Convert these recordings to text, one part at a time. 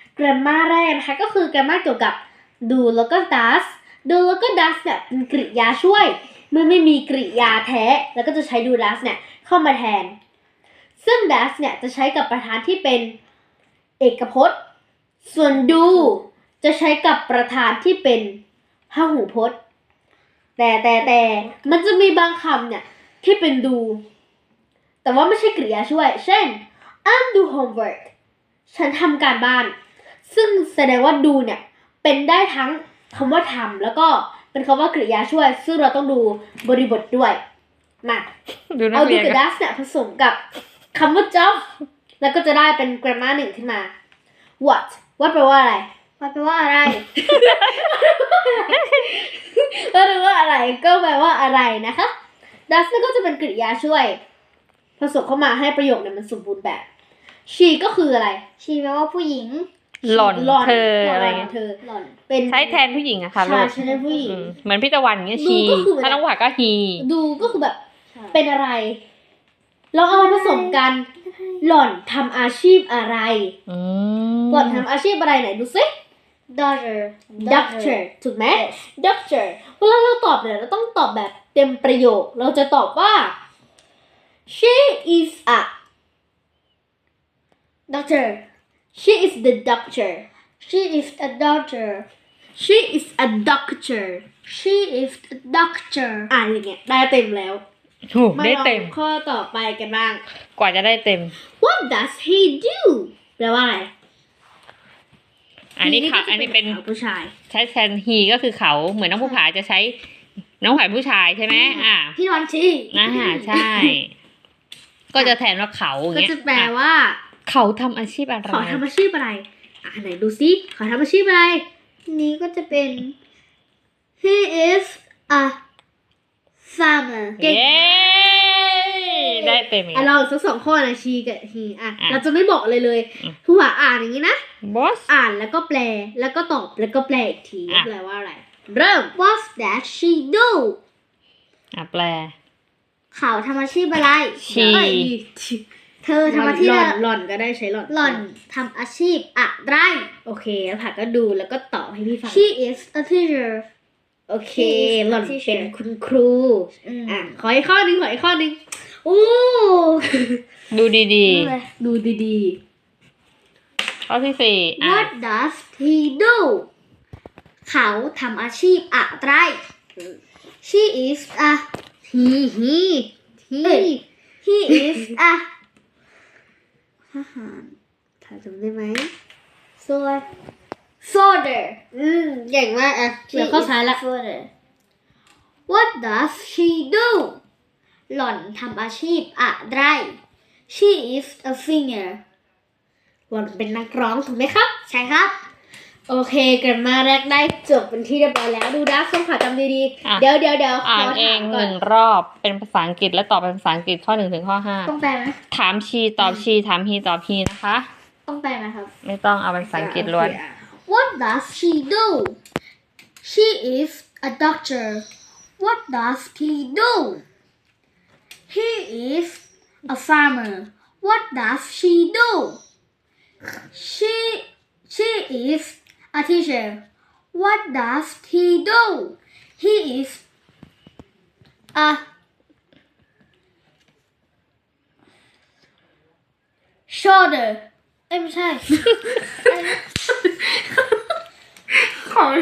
grammar แรกนะคะก็คือ grammar เกี่ยวกับ do แล้วก็ does do แล้วก็ does เนี่ยเป็นกริยาช่วยเมื่อไม่มีกริยาแท้แล้วก็จะใช้ do does เนี่ยเข้ามาแทนซึ่ง does เนี่ยจะใช้กับประธานที่เป็นเอกพจน์ส่วน do จะใช้กับประธานที่เป็นพหูพจน์แต่มันจะมีบางคำเนี่ยที่เป็น do แต่ว่าไม่ใช่กริยาช่วยเช่น I'm do homework ฉันทำการบ้านซึ่งแสดงว่า do เนี่ยเป็นได้ทั้งคำว่าทำแล้วก็เป็นคำว่ากริยาช่วยซึ่งเราต้องดูบริบทด้วยมาเอา do กับ does เนี่ยผสมกับคำว่า job แล้วก็จะได้เป็น grammar 1ขึ้นมา what แปลว่าอะไร what แปลว่าอะไรก็รู้ว่าอะไรก็แปลว่าอะไรนะคะ does นี่ก็จะเป็นกริยาช่วยผสมเข้ามาให้ประโยคเนี่ยมันสมบูรณ์แบบ she ก็คืออะไร she แปลว่าผู้หญิงหล่อนเธออะไรเงี้ยเธอหล่อนเป็นใช้แทนผู้หญิงอะค่ะใช่ใช้แทนผู้หญิงเหมือนพี่ตะวันเงี้ยชีถ้าน้องหวาก็ฮีดูก็คือแบบเป็นอะไรลองเอามาผสมกันหล่อนทำอาชีพอะไรหล่อนทำอาชีพอะไรไหนดูสิ doctor ถูกไหม doctor เวลาเราตอบเนี่ยเราต้องตอบแบบเต็มประโยคเราจะตอบว่า she is a doctor she is the doctor she is a doctor she is a doctor she is a doctor อย่างเงี้ยได้เต็มแล้วถูกได้เต็มาลองข้อต่อไปกันบ้างกว่าจะได้เต็ม What does he do แปลว่าอะไรอันนี้ค่ะอันนี้เป็นผู้ชายใช้แทนฮีก็คือเขาเหมือนน้องผู้ผาจะใช้น้องผาผู้ชายใช่ไหมพี่นอนชีใช่ ก็จะแทนว่าเขาอย่างก็เงี้ยจะแปลว่าเขาทำอาชีพอะไรขอทำอาชีพอะไรไหนดูซิขอทำอาชีพอะไรนี้ก็จะเป็น he is a farmer เก่งเย้ได้เต็มอีกลองอีกสัก2 ข้อนะชีกับ he เราจะไม่บอกเลยผู้ว่าอ่านอย่างนี้นะบอสอ่านแล้วก็แปลแล้วก็ตอบแล้วก็แปลอีกทีแปลว่าอะไร เริ่ม what does she do แปลเขาทำอาชีพอะไรชีเธอทำอาชีพหล่อนก็ได้ใช้หล่อนหล่อนทำอาชีพอะไรโอเคแล้วผักก็ดูแล้วก็ตอบให้พี่ฟัง she is a teacher โอเค She is a หล่อน teacher เป็นคุณครู ขออีกข้อหนึ่งโอ้ดูดีดูดีๆข้อที่ 4 what does he do เขาทำอาชีพอะไร she is a he he is a ทหารถ้าจำได้ไหม soldier เก่งมากเหลือข้อท้ายละ what does she do หล่อนทำอาชีพอะไร she is a singer หล่อนเป็นนักร้องถูกไหมครับใช่ครับโอเคกันมาแรกได้จบเป็นที่เรียบร้อยแล้วดูนะส้มขาจำดีๆเดี๋ยวอ่านเอง1 รอบเป็นภาษาอังกฤษและตอบเป็นภาษาอังกฤษข้อ 1 ถึงข้อต้องแปลไหม 5ถามชีตอบชีถามฮีตอบฮีนะคะต้องแปลไหมครับไม่ต้องเอาเป็นภาษาอังกฤษล้วน What does she do? She is a doctor. What does he do? He is a farmer. What does she do? She is a teacher. What does he do? He is a shoulder. ไม่ใช่ของ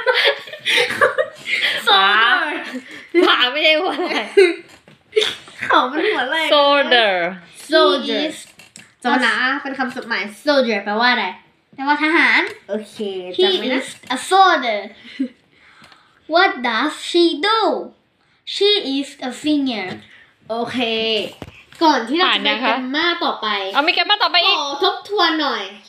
ผาไม่ใช่ว่าอะไรเขามันหัวอะไร soldier soldier จำนะเป็นคำสุดหมาย soldier แปลว่าอะไรแปลว่าทหารโอเค He จำไว้นะ is a soldier. What does she do? She is a singer. โอเค ก่อนที่เราจะไปผ่านยังกัคะนมาต่อไปเอามีแกมมาต่อไปขอีกอทบทวนหน่อย